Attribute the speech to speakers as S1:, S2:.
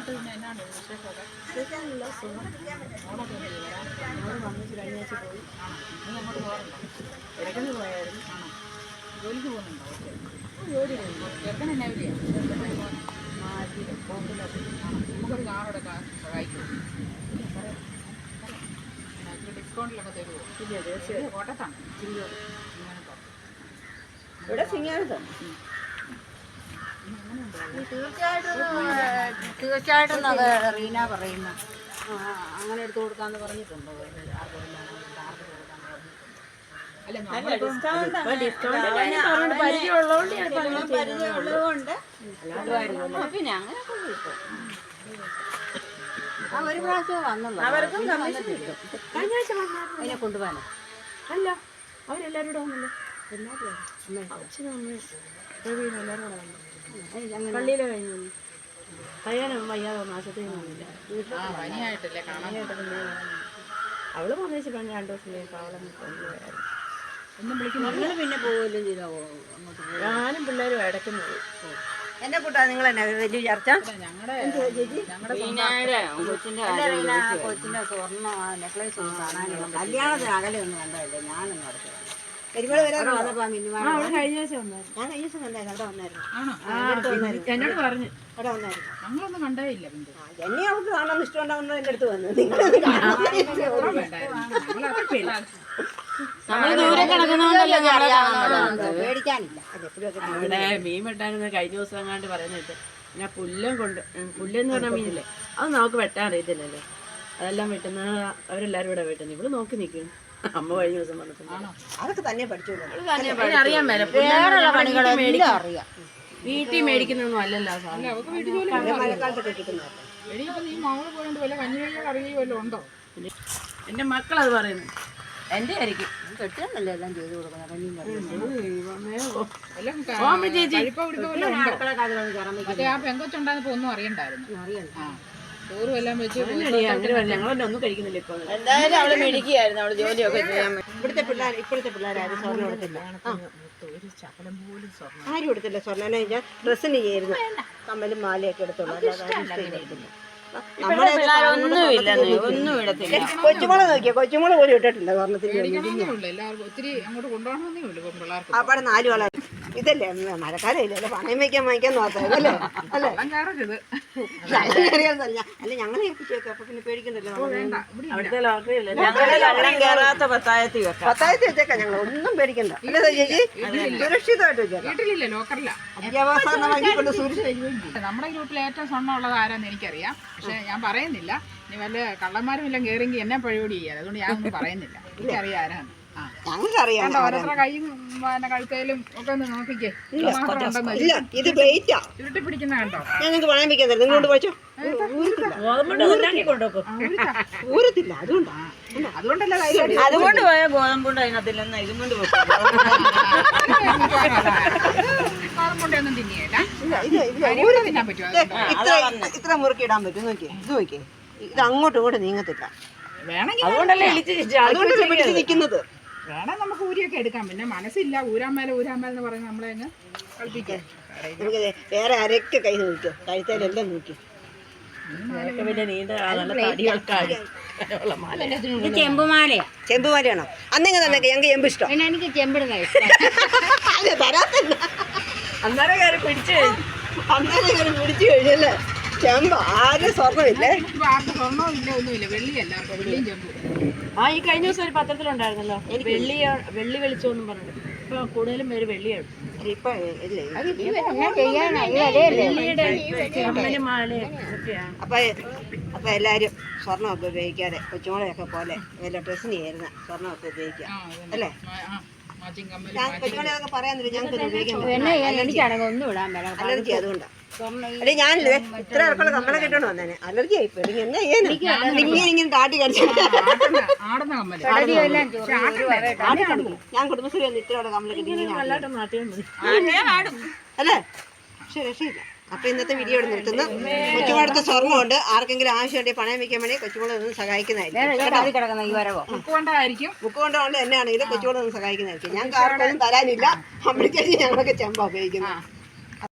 S1: എന്നിട്ട് പിന്നെ എന്നാണ് വിശേഷമൊക്കെ? ഓണൊക്കെ
S2: വന്നിട്ട് കഴിഞ്ഞ ആഴ്ച പോയി.
S1: നീ അങ്ങോട്ട് പോകാറുണ്ടോ?
S2: ഇടയ്ക്കൊന്ന് പോയായിരുന്നു.
S1: ആണോ? ജോലിക്ക് പോകുന്നുണ്ടോ? ഓക്കെ.
S2: ജോലി കഴിഞ്ഞു.
S1: ചെറുക്കൻ എന്നാ ജോലിയാണ്?
S2: ബോംബിലൊക്കെ
S1: നമുക്കൊരു കാറോടെ സഹായിക്കുമോ? ഇച്ചിരി ഡിസ്കൗണ്ടിലൊക്കെ തരുമോ?
S2: ഇല്ല, തീർച്ചയായും.
S1: കോട്ടത്താണ്
S2: ഇവിടെ സിംഗാനത്താണ്.
S3: തീർച്ചയായിട്ടും റീന പറയുന്നു.
S1: അങ്ങനെ എടുത്തു കൊടുക്കാന്ന് പറഞ്ഞിട്ടുണ്ടോ? അല്ല
S3: പരിചയമുള്ളതുകൊണ്ട് പിന്നെ അങ്ങനെയൊക്കെ കിട്ടും. ഒരു പ്രാവശ്യം വന്നുള്ളൂ.
S2: അവർക്കും കമ്മീഷൻ കിട്ടും.
S3: കഴിഞ്ഞ ആഴ്ച അതിനെ കൊണ്ടുപോകാനോ?
S2: അല്ല, അവരെല്ലാവരും കൂടെ വന്നല്ലോ. അച്ഛനും അമ്മയും പ്രവീണ എല്ലാവരും കൂടെ വന്നു. പള്ളിയിലെ കഴിഞ്ഞു. പയ്യാനും വയ്യാതെ വന്നു. ആശുപത്രിയിൽ വന്നില്ല.
S1: പനിയായിട്ടല്ലേ കാണാനായിട്ട്.
S2: അവള് വന്നേച്ച് പറഞ്ഞ 2 ദിവസത്തിലേക്ക് അവളെ കൊണ്ടുപോയായിരുന്നു.
S1: ഒന്നും വിളിക്കുന്നു.
S3: പിന്നെ പോവുകയും ചെയ്തോ അങ്ങോട്ട് പോയി.
S2: ഞാനും പിള്ളേരും ഇടയ്ക്കുന്നു പോയി.
S3: എന്നെ കൂട്ടാ നിങ്ങൾ തന്നെ വലിയ ചർച്ച. കൊച്ചിന്റെ സ്വർണ്ണ നെക്ലേസ് ഒന്നും കാണാനില്ല. കല്യാണത്തിന് അകലെ ഒന്നും കണ്ടതല്ലേ. ഞാനൊന്നും നടത്തില്ല. പെരുമാൾ വരാൻ വന്നപ്പോ
S2: കഴിഞ്ഞ ആഴ്ച വന്നായിരുന്നു.
S3: ഞാൻ കഴിഞ്ഞ ദിവസം കണ്ടായിരുന്നു. അവിടെ വന്നായിരുന്നു.
S2: എന്നോട് പറഞ്ഞു.
S3: അവിടെ വന്നായിരുന്നു.
S1: ഞങ്ങളൊന്നും കണ്ടേയില്ല.
S3: എന്നെ അവൾക്ക് കാണാൻ ഇഷ്ടമുണ്ടാവുന്ന എൻ്റെ അടുത്ത് വന്നു. നിങ്ങൾ പേടിക്കാനില്ല.
S2: അവിടെ മീൻ വെട്ടാനെന്ന് കഴിഞ്ഞ ദിവസം എങ്ങാണ്ട് പറയുന്നത് ഞാൻ പുല്ലെന്ന് പറഞ്ഞ മീനില്ലേ, അത് നമുക്ക് വെട്ടാൻ അറിയത്തില്ലല്ലോ. അതെല്ലാം വെട്ടുന്ന അവരെല്ലാരും ഇവിടെ വെട്ടുന്നു. ഇവിടെ നോക്കി നിൽക്കും. അമ്മ കഴിഞ്ഞ ദിവസം വന്നിട്ട്
S3: അതൊക്കെ തന്നെ പഠിച്ചു.
S2: അറിയാൻ മേലെ
S3: അറിയാം.
S2: വീട്ടിൽ മേടിക്കുന്നൊന്നും അല്ലല്ലോ.
S3: മഴക്കാലത്തൊക്കെ കിട്ടുന്നത്.
S2: എന്റെ മക്കളത് പറയുന്നു. എന്റെ ആയിരിക്കും
S3: കെട്ടിയാണല്ലോ എല്ലാം ചെയ്ത് കൊടുക്കുന്നത്.
S1: ആ പെങ്കൊച്ചുണ്ടായിരുന്നപ്പോ ഒന്നും അറിയണ്ടായിരുന്നു. ചോറും എല്ലാം വെച്ച്
S2: ഞങ്ങളൊന്നും ഒന്നും കഴിക്കുന്നില്ല ഇപ്പൊ.
S3: എന്തായാലും അവള് മേടിക്കുകയായിരുന്നു. അവള് ജോലിയൊക്കെ ചെയ്യാൻ. ഇപ്പോഴത്തെ പിള്ളേരാരും സ്വർണ്ണം കൊടുത്തില്ല. ആരും കൊടുത്തില്ല സ്വർണ്ണം. ഡ്രസ്സിന് ചെയ്യായിരുന്നു. കമ്മലും മാലയൊക്കെ എടുത്തോളൂ. ഒന്നും ഇടത്തില്ല. കൊച്ചുമോളെ നോക്കിയാ കൊച്ചുമോള് പോലും ഇട്ടിട്ടില്ല സ്വർണ്ണത്തിന്റെ.
S1: ഒത്തിരി അങ്ങോട്ട് കൊണ്ടുപോകണമെന്നേ ഉള്ളൂ പിള്ളേർക്ക്.
S3: അവിടെ 4 വള. ഇതല്ലേ മഴക്കാലം ഇല്ലല്ലോ. പണയം വയ്ക്കാൻ നോക്കല്ലേ. അല്ലേ അല്ല ഞങ്ങളെ ഏൽപ്പിച്ചേക്കാം. അപ്പൊ പിന്നെ പേടിക്കണ്ടല്ലോ.
S2: അവിടുത്തെ ലോട്ടറി
S3: പത്തായത്തി വെച്ചേക്കാം. ഞങ്ങൾ ഒന്നും പേടിക്കണ്ട. അല്ലേ ചേച്ചി? സുരക്ഷിതമായിട്ട് വെച്ചേക്കാം.
S1: വീട്ടിലില്ല, ലോക്കറില്ല.
S3: അത്യാവശ്യം
S1: നമ്മുടെ ഗ്രൂപ്പിൽ ഏറ്റവും സ്വർണ്ണം ഉള്ളത് ആരാന്ന് എനിക്കറിയാം. പക്ഷെ ഞാൻ പറയുന്നില്ല. ഇനി വല്ല കള്ളന്മാരും എല്ലാം കയറിയെങ്കിൽ എന്നെ പരിപാടി ചെയ്യാതെ. അതുകൊണ്ട് ഞാനൊന്നും പറയുന്നില്ല. എനിക്കറിയാം ആരാണ്.
S3: ഞങ്ങൾക്കറിയാം.
S1: ഓരോരുത്തരുടെ കൈയും കഴുത്തേലും ഒക്കെ ഒന്ന് നോക്കിക്കേ.
S3: ഇത് വെയിറ്റാ.
S1: ചുരുട്ടി പിടിക്കുന്ന കണ്ടോ?
S3: ഞങ്ങൾക്ക് പണയം വെക്കാൻ തരും. നിങ്ങളോട് പഠിച്ചോ. ഊരത്തില്ല. അതുകൊണ്ടല്ലേ
S2: അതുകൊണ്ട് പോയ ഗോതമ്പുണ്ട് അതിനകത്തില്ലെന്ന് ഇതും കൊണ്ട്
S1: ഗോതമ്പുണ്ടൊന്നും തിന്നിയല്ല. തിന്നാൻ പറ്റുമോ?
S3: ഇത്ര മുറുക്കി ഇടാൻ പറ്റും. നോക്കിയേ, ഇത് നോക്കിയേ. ഇത് അങ്ങോട്ടും ഇങ്ങോട്ടും നീങ്ങത്തില്ല.
S1: വേണമെങ്കിൽ
S3: അതുകൊണ്ടല്ലേ പിടിച്ച് നിൽക്കുന്നത്.
S1: വേണം നമുക്ക് ഊരിയൊക്കെ എടുക്കാം. പിന്നെ മനസ്സില്ല. ഊരാമേല എന്ന് പറയുന്നത് നമ്മളെ അങ്ങ് കളിപ്പിക്കാം.
S3: നമുക്ക് വേറെ ആരൊക്കെ കൈ നോക്കിയോ. കഴുത്തേലെല്ലാം നോക്കി. ചെമ്പുമാലയാണോ? അന്നെങ്കിൽ തന്നെ ഞങ്ങൾക്ക് ചെമ്പ് ഇഷ്ടം.
S2: എനിക്ക് ചെമ്പിടുന്ന
S3: അതെ, തരാത്തില്ല.
S2: അന്നേരം കയറി പിടിച്ചു
S3: കഴിഞ്ഞല്ലേ. ചെമ്പ് ആരും സ്വർണ്ണമില്ലേ.
S1: സ്വർണ്ണവും ഇല്ല, ഒന്നുമില്ല. വെള്ളിയല്ല, വെള്ളിയും ചെമ്പും.
S2: ഈ കഴിഞ്ഞ ദിവസം ഒരു പത്രത്തിലുണ്ടായിരുന്നല്ലോ, വെള്ളി വെളിച്ചോന്നും പറഞ്ഞു. ഇപ്പൊ കൂടുതലും പേര് വെള്ളിയാണ്.
S3: ഇപ്പൊ ഇല്ലേ. അപ്പൊ എല്ലാരും സ്വർണ്ണമൊക്കെ ഉപയോഗിക്കാതെ കൊച്ചുമോളെയൊക്കെ പോലെ വല്ല ഡ്രസ്സിന് ചേരുന്ന സ്വർണ്ണമൊക്കെ ഉപയോഗിക്കാം. അല്ലേ? കൊച്ചുമോളെയൊക്കെ പറയാന്നില്ല. ഞങ്ങൾക്ക് ഉപയോഗിക്കാൻ അലർജി. അതുകൊണ്ടാണ്. അല്ലെ ഞാനില്ലേ ഇത്ര ഇറക്കുള്ള കമ്മലെ കിട്ടണോ വന്നേനെ. അലർജി ആയിപ്പോ. എന്നാ ഇങ്ങനെ താട്ടി കടിച്ചു. ഞാൻ കുടുംബശ്രീ വന്ന് ഇത്രയോടെ കമ്മല കിട്ടി അല്ലേ. പക്ഷെ രക്ഷയില്ല. അപ്പൊ ഇന്നത്തെ വീഡിയോ ഇവിടെ നിർത്തുന്നു. കൊച്ചുമോളടുത്ത് സ്വർണ്ണമുണ്ട്. ആർക്കെങ്കിലും ആവശ്യമുണ്ടെങ്കിൽ പണയം വെക്കാൻ വേണ്ടി കൊച്ചുമോളെ ഒന്ന് സഹായിക്കുന്നതായിരിക്കും. ബുക്ക് കൊണ്ടുകൊണ്ട് എന്നെയാണെങ്കിലും കൊച്ചുമോളെ ഒന്ന് സഹായിക്കുന്നതായിരിക്കും. ഞങ്ങൾക്ക് ആർക്കൊന്നും തരാനില്ല. അമ്മയ്ക്ക് ഞങ്ങളൊക്കെ ചെമ്പ ഉപയോഗിക്കുന്നത്.